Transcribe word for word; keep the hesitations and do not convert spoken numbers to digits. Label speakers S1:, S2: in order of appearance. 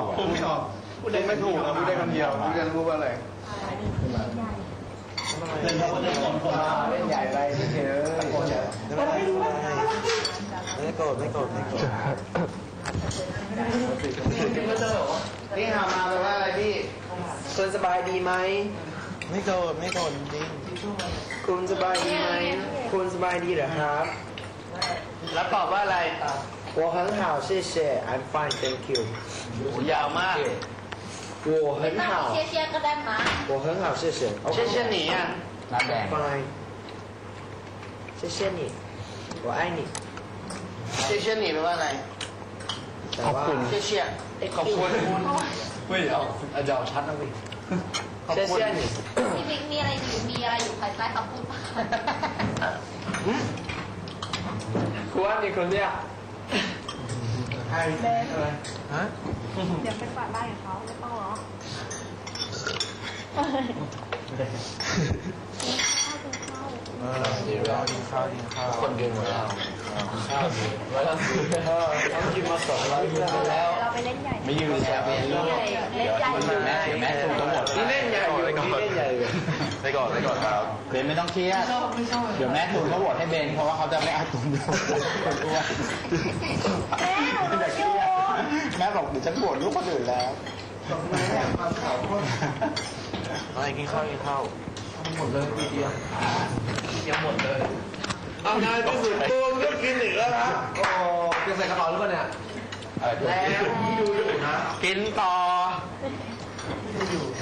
S1: อกพูดไม่ออกพูดได้ไม่ถูกนะพูดได้คำเดียวพูดได้รู้ว่าอะไรเล่นเล่นเล่นใหญ่อะไรไม่เฉยไม่โกรธไม่โกรธไม่โกรธไม่โกรธนี่หามาแปลว่าอะไรพี่คุณสบายดีไหมไม่โกรธไม่โกรธจริงคุณสบายดีไหมคุณสบายดีเหรอครับแล้วตอบว่าอะไร我很好谢谢 I'm fine thank you ยาวมาก我很好
S2: 谢谢ก็ได้吗
S1: 我很好谢谢谢谢你啊 fine 谢谢你我爱你谢谢你แปลว่าอะไรขอบคุณ谢谢ขอบคุณไม่เอาอาจารย์ชัดนะพี่ขอบคุณ
S2: พี่บิ๊กมีอะไรอยู่มีอะไรอยู่ภายใต้คำพูดป่ะ
S1: คุณว่านี่คนเนี้ยใครอะไรฮะ
S3: เดี๋ยวไปฝากบ้านกับเขาไม่ต้องหรอ
S1: เออกินข้าวกินข้าวกินข้าวคนกินหมดแล้วข้าวไว้แล้วต้องกินมาสองร้อยกินไปแล้ว
S3: เราไปเล่นใหญ่
S1: ไม่ยืนแช่เบียร์เดี๋ยวแม่เดี๋ยวแม่ถูกทั้งหมดนี่เล่นใหญ่อยู่นี่เล่นใหญ่อยู่ไปก่อนไปก่อนครับเบนไม่ต้องเครียดเดี๋ยวแม่ถูกเขาโหวตให้เบนเพราะว่าเขาจะไม่เอาตุ้มคนอ้วน
S3: แม่หนูรู้อยู่
S1: แม่บอกเดี๋ยวฉันโหวตลูกคนอื่นแล้วอะไรกินข้าวกินข้าวหมดเลยทีเดียวยังหมดเลยเอานายที่สุดตูนก็กินอีกแล้วนะโอ้จะใส่กระเป๋าหรือเปล่าเนี่ยแล้วดูอยู่นะกินต่อ